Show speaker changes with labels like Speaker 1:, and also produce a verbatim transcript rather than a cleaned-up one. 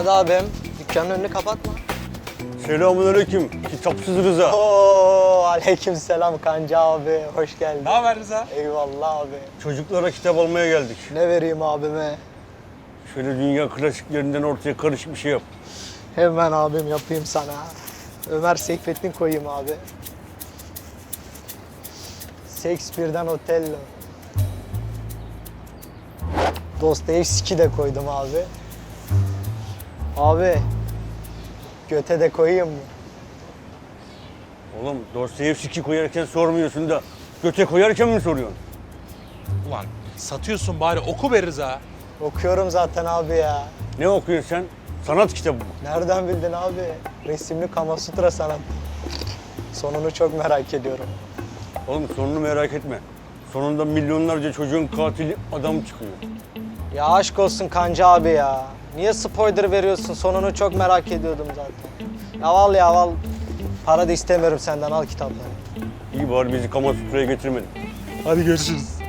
Speaker 1: Hadi abim, dükkanın önünü kapatma.
Speaker 2: Selamünaleyküm. Kitapsız Rıza.
Speaker 1: Oo, aleykümselam Kanca abi, hoş geldin.
Speaker 3: Ne haber Rıza?
Speaker 1: Eyvallah abi.
Speaker 2: Çocuklara kitap almaya geldik.
Speaker 1: Ne vereyim abime?
Speaker 2: Şöyle dünya klasiklerinden ortaya karışık bir şey yap.
Speaker 1: Hemen abim yapayım sana. Ömer Seyfettin koyayım abi. Shakespeare'den Otello. Dostoyevski de koydum abi. Abi, Göte de koyayım mı?
Speaker 2: Oğlum Dostoyevski koyarken sormuyorsun da göte koyarken mi soruyorsun?
Speaker 3: Ulan satıyorsun bari oku be Rıza.
Speaker 1: Okuyorum zaten abi ya.
Speaker 2: Ne okuyorsun sen? Sanat kitabı mı?
Speaker 1: Nereden bildin abi? Resimli Kama Sutra sanat. Sonunu çok merak ediyorum.
Speaker 2: Oğlum sonunu merak etme. Sonunda milyonlarca çocuğun katili adam çıkıyor.
Speaker 1: Ya aşk olsun Kanca abi ya. Niye spoiler veriyorsun? Sonunu çok merak ediyordum zaten. Ya al ya al. Para da istemiyorum senden, al kitapları.
Speaker 2: İyi bari bizi Kamasutra'ya getirmedin.
Speaker 3: Hadi görüşürüz.